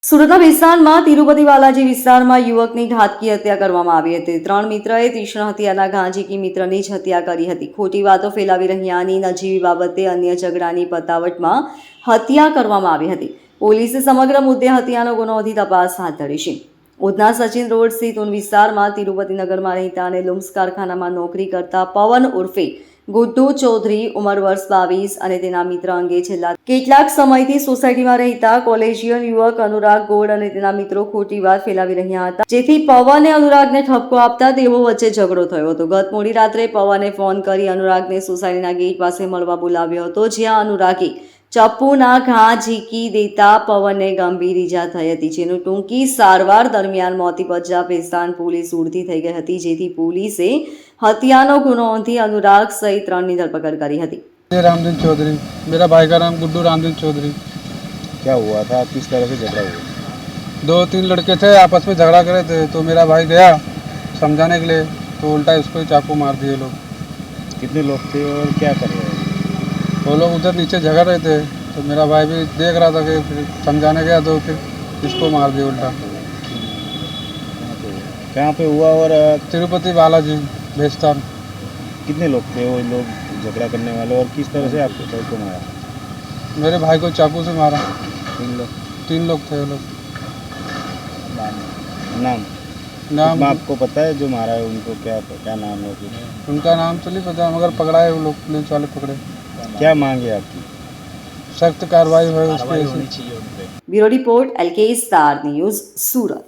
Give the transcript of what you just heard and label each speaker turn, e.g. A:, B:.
A: સુરતના વિસ્તારમાં તિરુપતિ બાલાજી વિસ્તારમાં યુવકની ઘાતકી હત્યા કરવામાં આવી હતી। ત્રણ મિત્રએ તીક્ષ્ણ હત્યાના ઘા ઝીકી મિત્રની જ હત્યા કરી હતી। ખોટી વાતો ફેલાવી રહ્યાની નજીવી બાબતે અન્ય ઝઘડાની પતાવટમાં હત્યા કરવામાં આવી હતી। પોલીસે સમગ્ર મુદ્દે હત્યાનો ગુનો નોંધી તપાસ હાથ ધરી છે। ઉધના સચિન રોડ સ્થિત ઉન વિસ્તારમાં તિરુપતિ નગરમાં રહેતા અને લુમ્સ કારખાનામાં નોકરી કરતા પવન ઉર્ફે ગુડ્ડુ ચૌધરી ઉંમર વર્ષ 22 અને તેના મિત્ર અંગે છેલ્લા કેટલાક સમયથી સોસાયટીમાં રહેતા કોલેજિયન યુવક અનુરાગ ગોળ અને તેના મિત્રો ખોટી વાત ફેલાવી રહ્યા હતા, જેથી પવને અનુરાગને ઠપકો આપતા તેઓ વચ્ચે ઝઘડો થયો હતો। ગત મોડી રાત્રે પવને ફોન કરી અનુરાગને સોસાયટીના ગેટ પાસે મળવા બોલાવ્યો હતો, જ્યાં અનુરાગે ચપ્પુના ઘા ઝીકી દેતા પવનને ગંભીર ઈજા થઈ હતી, જેનું ટૂંકી સારવાર દરમિયાન મોત નિપજ્યા ભેસ્તાન પોલીસ ઉડતી થઈ ગઈ હતી, જેથી પોલીસે हत्यानो गुनो नोंधी अनुराग सहित 3 की धरपकड़ करी थी।
B: रामदीन चौधरी, मेरा भाई का नाम गुड्डू रामदीन चौधरी।
C: क्या हुआ था, किस तरह से झगड़ा हुआ?
B: 2-3 लड़के थे, आपस में झगड़ा करे थे, तो मेरा भाई गया समझाने के लिए, तो उल्टा इसको ही चाकू मार दिए लोग।
C: कितने लोग थे और क्या कर रहे हैं?
B: वो लोग उधर नीचे झगड़ रहे थे, तो मेरा भाई भी देख रहा था कि फिर समझाने गया तो फिर इसको मार दिया उल्टा।
C: कहाँ पे हुआ? और
B: तिरुपति बालाजी भेस्तान।
C: कितने लोग थे वो लोग झगड़ा करने वाले, और किस तरह से आपके भाई को मारा?
B: मेरे भाई को चाकू से मारा।
C: 3 लोग
B: थे वो लोग।
C: नाम आपको पता है जो मारा है उनको? क्या नाम है कुछ?
B: उनका नाम तो नहीं पता, मगर पकड़ा है वो लोग, पुलिस वाले पकड़े।
C: क्या मांग है आपकी?
B: सख्त कार्रवाई हो उस पर।
A: Bureau report LK star news सूरत।